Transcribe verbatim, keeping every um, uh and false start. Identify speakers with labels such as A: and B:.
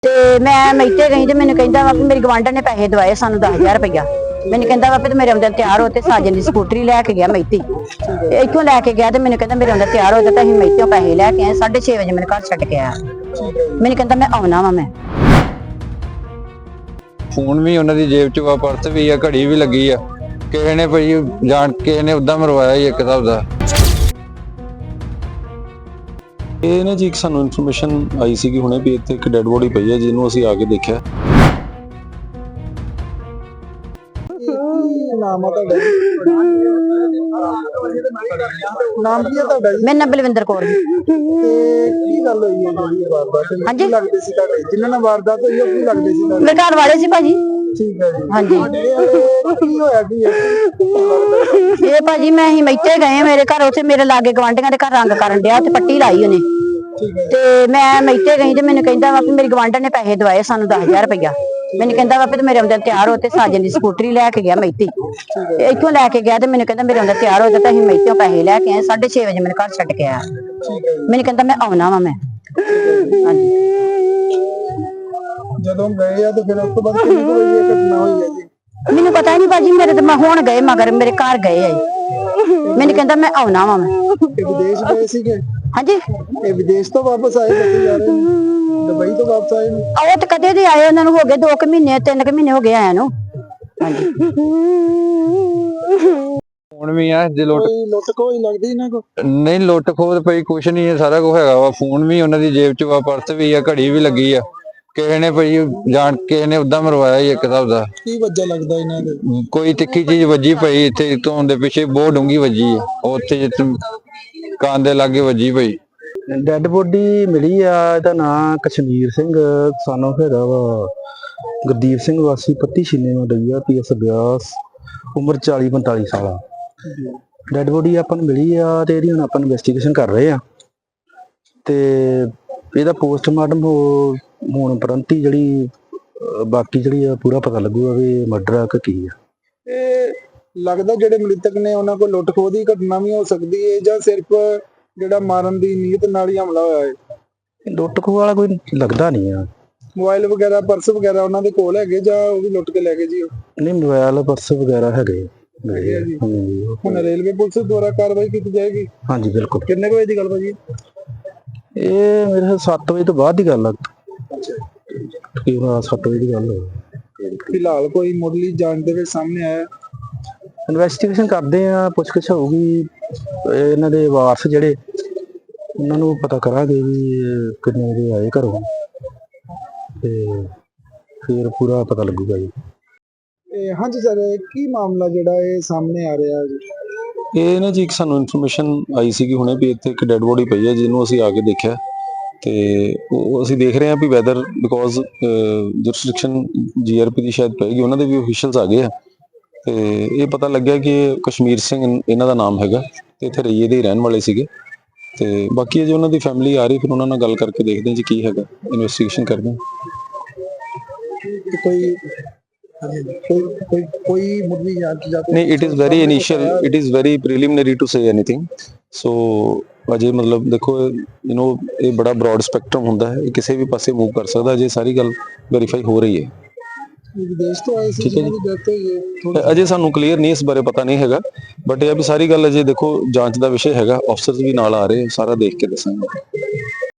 A: ਤੇ ਮੈਂ ਮੈਤੇ ਗਈ ਤੇ ਮੈਨੂੰ ਕਹਿੰਦਾ ਵਾ ਕਿ ਮੇਰੀ ਗਵਾਂਢਣ ਨੇ ਪੈਸੇ ਦਵਾਏ ਸਾਨੂੰ ਦਸ ਹਜ਼ਾਰ ਰੁਪਇਆ। ਮੈਨੂੰ ਕਹਿੰਦਾ ਵਾ ਤੇ ਮੇਰੇ ਆਉਂਦੇ ਤਿਆਰ ਹੋ ਤੇ ਸਾਜਨ ਦੀ ਸਕੂਟਰੀ ਲੈ ਕੇ ਗਿਆ ਮੈਤੀ। ਇੱਥੋਂ ਲੈ ਕੇ ਗਿਆ ਤੇ ਮੈਨੂੰ ਕਹਿੰਦਾ ਮੇਰੇ ਆਉਂਦੇ ਤਿਆਰ ਹੋ ਤੇ ਅਸੀਂ ਮੈਤਿਓਂ ਪੈਸੇ ਲੈ ਕੇ ਆਏ। ਸਾਢੇ ਛੇ ਵਜੇ ਮੈਨੂੰ ਘਰ ਛੱਡ ਕੇ ਆਇਆ। ਮੈਨੂੰ ਕਹਿੰਦਾ ਮੈਂ ਆਉਣਾ ਵਾ। ਮੈਂ
B: ਫੋਨ ਵੀ ਉਹਨਾਂ ਦੀ ਜੇਬ ਚ ਵਾ, ਪਰਸ ਵੀ ਆ, ਘੜੀ ਵੀ ਲੱਗੀ ਆ। ਕਿਸੇ ਨੇ ਭਾਈ ਜਾਣ ਕੇ ਨੇ ਉਦਾਂ ਮਰਵਾਇਆ ਹੀ ਇੱਕ ਹਿਸਾਬ ਦਾ।
C: ਇਹ ਨਾ ਜੀ ਇੱਕ ਸਾਨੂੰ ਇਨਫੋਰਮੇਸ਼ਨ ਆਈ ਸੀ ਕਿ ਹੁਣੇ ਵੀ ਇੱਥੇ ਇੱਕ ਡੈਡ ਬੋਡੀ ਪਈ ਹੈ, ਜਿਹਨੂੰ ਅਸੀਂ ਆ ਕੇ ਦੇਖਿਆ।
D: ਨਾਮ ਆ ਤੁਹਾਡਾ? ਨਾਮ ਕੀ ਹੈ ਤੁਹਾਡਾ ਜੀ?
A: ਮੇਰਾ ਨਾਮ ਬਲਵਿੰਦਰ ਕੌਰ।
D: ਤੇ ਕੀ ਗੱਲ ਹੋਈ ਹੈ ਜਿਹੜੀ ਵਾਰਦਾਤ ਹੋਈ?
A: ਹਾਂਜੀ,
D: ਲੱਗਦੇ ਸੀ ਤੁਹਾਡੇ ਜਿਨ੍ਹਾਂ ਨਾਲ ਵਾਰਦਾਤ ਹੋਈ ਉਹ ਕੀ ਲੱਗਦੇ ਸੀ ਤੁਹਾਡੇ?
A: ਮੇਰੇ ਘਰ ਵਾਲੇ ਸੀ ਭਾਜੀ।
D: ਠੀਕ ਹੈ ਜੀ।
A: ਹਾਂਜੀ,
D: ਕੀ ਹੋਇਆ ਕੀ
A: ਇਹ ਭਾਜੀ ਮੈਂ ਹੀ ਮੈਤੇ ਗਏ ਮੇਰੇ ਘਰ। ਉੱਥੇ ਮੇਰੇ ਲਾਗੇ ਗਵਾਂਢੀਆਂ ਦੇ ਘਰ ਰੰਗ ਕਰਨ ਡਿਆ ਤੇ ਪੱਟੀ ਲਾਈ ਉਹਨੇ। ਤੇ ਮੈਂ ਮੈਤੇ ਗਈ ਤੇ ਮੈਨੂੰ ਕਹਿੰਦਾ ਵਾ ਕਿ ਮੇਰੀ ਗਵਾਂਢਣ ਨੇ ਪੈਸੇ ਦਵਾਏ ਸਾਨੂੰ ਦਸ ਹਜ਼ਾਰ ਰੁਪਇਆ। ਮੈਨੂੰ ਕਹਿੰਦਾ ਵਾ ਤੇ ਮੇਰੇ ਆਉਂਦੇ ਤਿਆਰ ਹੋ ਤੇ ਸਾਜਨ ਦੀ ਸਕੂਟਰੀ ਲੈ ਕੇ ਗਿਆ ਮੈਤੀ। ਇੱਥੋਂ ਲੈ ਕੇ ਗਿਆ ਤੇ ਮੈਨੂੰ ਕਹਿੰਦਾ ਮੇਰੇ ਆਉਂਦੇ ਤਿਆਰ ਹੋ ਤੇ ਅਸੀਂ ਮੈਤਿਓਂ ਪੈਸੇ ਲੈ ਕੇ ਆਏ। ਸਾਢੇ ਛੇ ਵਜੇ ਮੈਨੂੰ ਘਰ ਛੱਡ ਕੇ ਆਇਆ। ਮੈਨੂੰ ਕਹਿੰਦਾ ਮੈਂ ਆਉਣਾ ਵਾ। ਮੈਂ ਹਾਂਜੀ,
D: ਜਦੋਂ ਗਏ ਆ ਤੇ ਫਿਰ ਉਸ ਤੋਂ ਬਾਅਦ ਕਿੰਨੀ ਕੁ ਵਜੇ ਇਹ ਘਟਨਾ ਹੋਈ ਹੈ ਜੀ?
A: ਮੈਨੂੰ ਪਤਾ ਨਹੀਂ ਭਾਜੀ। ਮੇਰੇ ਤੇ ਮੈਂ ਹੁਣ ਗਏ ਮਗਰ ਮੇਰੇ ਘਰ ਗਏ ਆ। ਮੈਨੂੰ ਕਹਿੰਦਾ ਮੈਂ ਆਉਣਾ ਵਾ। ਮੈਂ
D: ਇਹ ਵਿਦੇਸ਼ ਗਏ ਸੀਗੇ?
A: ਹਾਂਜੀ,
D: ਇਹ ਵਿਦੇਸ਼ ਤੋਂ ਵਾਪਸ ਆਏ ਦੱਸੇ ਜਾ ਰਹੇ ਨੇ, ਦੁਬਈ ਤੋਂ ਵਾਪਸ ਆਏ ਨੇ।
A: ਉਹ ਤੇ ਕਦੇ ਦੇ ਆਏ। ਉਹਨਾਂ ਨੂੰ ਹੋ ਗਏ ਦੋ ਕੁ ਮਹੀਨੇ ਤਿੰਨ ਕੁ ਮਹੀਨੇ ਹੋ ਗਏ ਆਇਆ ਨੂੰ। ਹਾਂਜੀ,
B: ਫੋਨ ਵੀ ਆ ਜੇ ਲੁੱਟ
D: ਕੋਈ ਲੁੱਟ ਕੋਈ ਲੱਗਦੀ ਇਹਨਾਂ ਕੋ?
B: ਨਹੀਂ, ਲੁੱਟ ਖੋਹ ਪਈ ਕੁਛ ਨਹੀਂ ਹੈ, ਸਾਰਾ ਕੁਝ ਹੈਗਾ ਵਾ। ਫੋਨ ਵੀ ਉਹਨਾਂ ਦੀ ਜੇਬ ਚ ਵਾ, ਪਰਸ ਵੀ ਆ, ਘੜੀ ਵੀ ਲੱਗੀ ਆ। ਕਿਸੇ ਨੇ ਭਾਈ ਜਾਣ ਕੇ ਨੇ ਉਦਾਂ ਮਰਵਾਇਆ ਹੀ ਇੱਕ ਹਿਸਾਬ ਦਾ।
D: ਕੀ ਵਜ੍ਹਾ ਲੱਗਦਾ ਇਹਨਾਂ ਦੇ?
B: ਕੋਈ ਤਿੱਖੀ ਚੀਜ਼ ਵੱਜੀ ਪਈ ਇੱਥੇ ਤੋਂ ਦੇ ਪਿੱਛੇ, ਬਹੁਤ ਡੂੰਗੀ ਵੱਜੀ ਆ। ਉੱਥੇ ਜਿੱਥੇ ਕੰਨ ਦੇ ਲਾਗੇ ਵੱਜੀ ਪਈ।
E: ਡੈਡ ਬੋਡੀ ਮਿਲੀ ਆ। ਇਹਦਾ ਨਾਂ ਕਸ਼ਮੀਰ ਸਿੰਘ ਸਾਨੂੰ ਹੈਗਾ ਵਾ ਗੁਰਦੀਪ ਸਿੰਘ ਵਾਸੀ ਪੱਤੀ ਛੀਨੇ ਨੂੰ ਡਈਆ ਪੀ ਐਸ ਬਿਆਸ, ਉਮਰ ਚਾਲੀ ਪੰਤਾਲੀ ਸਾਲ ਆ। ਡੈਡ ਬੋਡੀ ਆਪਾਂ ਨੂੰ ਮਿਲੀ ਆ ਤੇ ਇਹਦੀ ਹੁਣ ਆਪਾਂ ਇਨਵੈਸਟੀਗੇਸ਼ਨ ਕਰ ਰਹੇ ਆ ਤੇ ਇਹਦਾ ਪੋਸਟਮਾਰਟਮ ਹੋਣ ਉਪਰੰਤ ਹੀ ਜਿਹੜੀ ਬਾਕੀ ਜਿਹੜੀ ਆ ਪੂਰਾ ਪਤਾ ਲੱਗੂਗਾ ਵੀ ਮਰਡਰ ਆ ਕਿ ਕੀ ਆ।
D: ਇਹ ਲੱਗਦਾ ਜਿਹੜੇ ਮ੍ਰਿਤਕ ਨੇ ਉਹਨਾਂ ਕੋਲ ਲੁੱਟ ਖੋਹ ਦੀ ਘਟਨਾ ਵੀ ਹੋ ਸਕਦੀ ਹੈ ਜਾਂ ਸਿਰਫ ਜਿਹੜਾ ਮਾਰਨ ਦੀ ਨੀਅਤ ਨਾਲ ਹੀ ਹਮਲਾ ਹੋਇਆ ਹੈ?
E: ਲੁੱਟ ਖੋਹ ਵਾਲਾ ਕੋਈ ਲੱਗਦਾ ਨਹੀਂ ਆ।
D: ਮੋਬਾਈਲ ਵਗੈਰਾ ਪਰਸ ਵਗੈਰਾ ਉਹਨਾਂ ਦੇ ਕੋਲ ਹੈਗੇ ਜਾਂ ਉਹ ਵੀ ਲੁੱਟ ਕੇ ਲੈ ਗਏ ਜੀ?
E: ਨਹੀਂ, ਮੋਬਾਈਲ ਪਰਸ ਵਗੈਰਾ ਹੈਗੇ।
D: ਜੀ। ਹੁਣ ਰੇਲਵੇ ਪੁਲਿਸ ਦੁਆਰਾ ਕਾਰਵਾਈ ਕੀਤੀ ਜਾਏਗੀ?
E: ਹਾਂਜੀ ਬਿਲਕੁਲ।
D: ਕਿੰਨੇ ਕੁ ਵਜੇ ਦੀ ਗੱਲ ਭਾਜੀ?
E: ਇਹ ਮੇਰੇ ਸੱਤ ਵਜੇ ਤੋਂ ਬਾਅਦ ਦੀ ਗੱਲ ਆ। ਤਕਰੀਬਨ ਸੱਤ ਵਜੇ ਦੀ ਗੱਲ ਹੋਈ।
D: ਫਿਲਹਾਲ ਕੋਈ ਮੁੱਢਲੀ ਜਾਂਚ ਦੇ ਵਿੱਚ ਸਾਹਮਣੇ ਆਇਆ?
E: ਇਨਵੈਸਟੀਗੇਸ਼ਨ ਕਰਦੇ ਆ, ਪੁੱਛਗਿੱਛ ਹੋਊਗੀ। ਇਹਨਾਂ ਦੇ ਵਾਰਸ ਜਿਹੜੇ ਉਹਨਾਂ ਨੂੰ ਪਤਾ ਕਰਾਂਗੇ ਵੀ ਇਹ ਕਿੰਨੇ ਵਜੇ ਆਏ ਘਰੋਂ ਤੇ ਫਿਰ ਪੂਰਾ ਪਤਾ ਲੱਗੂਗਾ ਜੀ।
D: ਇਹ ਹਾਂਜੀ ਸਰ, ਕੀ ਮਾਮਲਾ ਜਿਹੜਾ ਇਹ ਸਾਹਮਣੇ ਆ ਰਿਹਾ ਜੀ?
C: ਇਹ ਨਾ ਜੀ ਇੱਕ ਸਾਨੂੰ ਇਨਫੋਰਮੇਸ਼ਨ ਆਈ ਸੀ ਕਿ ਹੁਣੇ ਵੀ ਇੱਥੇ ਇੱਕ ਡੈਡ ਬੋਡੀ ਪਈ ਹੈ, ਜਿਹਨੂੰ ਅਸੀਂ ਆ ਕੇ ਦੇਖਿਆ ਤੇ ਉਹ ਅਸੀਂ ਦੇਖ ਰਹੇ ਹਾਂ ਵੀ ਵੈਦਰ ਬਿਕੋਜ਼ ਜੁਰਿਸਡਿਕਸ਼ਨ ਜੀਆਰਪੀ ਦੀ ਸ਼ਾਇਦ ਪਏਗੀ, ਉਹਨਾਂ ਦੇ ਵੀ ਅਫੀਸ਼ੀਅਲਸ ਆ ਗਏ ਆ ਤੇ ਇਹ ਪਤਾ ਲੱਗਿਆ ਕਿ ਕਸ਼ਮੀਰ ਸਿੰਘ ਇਹਨਾਂ ਦਾ ਨਾਮ ਹੈਗਾ ਤੇ ਇੱਥੇ ਰਈਏ ਦੇ ਹੀ ਰਹਿਣ ਵਾਲੇ ਸੀਗੇ। ਤੇ ਬਾਕੀ ਜੇ ਉਹਨਾਂ ਦੀ ਫੈਮਿਲੀ ਆ ਰਹੀ ਫਿਰ ਉਹਨਾਂ ਨਾਲ ਗੱਲ ਕਰਕੇ ਦੇਖਦੇ ਹਾਂ ਜੀ ਕੀ ਹੈਗਾ, ਇਨਵੈਸਟੀਗੇਸ਼ਨ ਕਰਦੇ ਹਾਂ।
D: ਕੋਈ ਕੋਈ ਕੋਈ ਕੋਈ ਮੁੱਢਲੀ ਜਾਂਚ ਜਾਂ ਕੋਈ?
C: ਨਹੀਂ, it is very initial, it is very preliminary to say anything. So ਅਜੇ ਮਤਲਬ ਦੇਖੋ ਯੂ نو ਇਹ ਬੜਾ ਬ੍ਰੌਡ ਸਪੈਕਟਰਮ ਹੁੰਦਾ ਹੈ, ਇਹ ਕਿਸੇ ਵੀ ਪਾਸੇ ਮੂਵ ਕਰ ਸਕਦਾ। ਅਜੇ ਸਾਰੀ ਗੱਲ ਵੈਰੀਫਾਈ ਹੋ ਰਹੀ ਹੈ।
D: ਵਿਦੇਸ਼ ਤੋਂ ਆਏ ਸੀ ਜਿਹਨਾਂ ਦੀ ਡੈਥ ਹੋਈ ਹੈ?
C: ਅਜੇ ਸਾਨੂੰ ਕਲੀਅਰ ਨਹੀਂ ਇਸ ਬਾਰੇ ਪਤਾ ਨਹੀਂ ਹੈਗਾ, ਬਟ ਇਹ ਵੀ ਸਾਰੀ ਗੱਲ ਅਜੇ ਦੇਖੋ ਜਾਂਚ ਦਾ ਵਿਸ਼ੇ ਹੈਗਾ। ਅਫਸਰਸ ਵੀ ਨਾਲ ਆ ਰਹੇ, ਸਾਰਾ ਦੇਖ ਕੇ ਦੱਸਾਂਗੇ।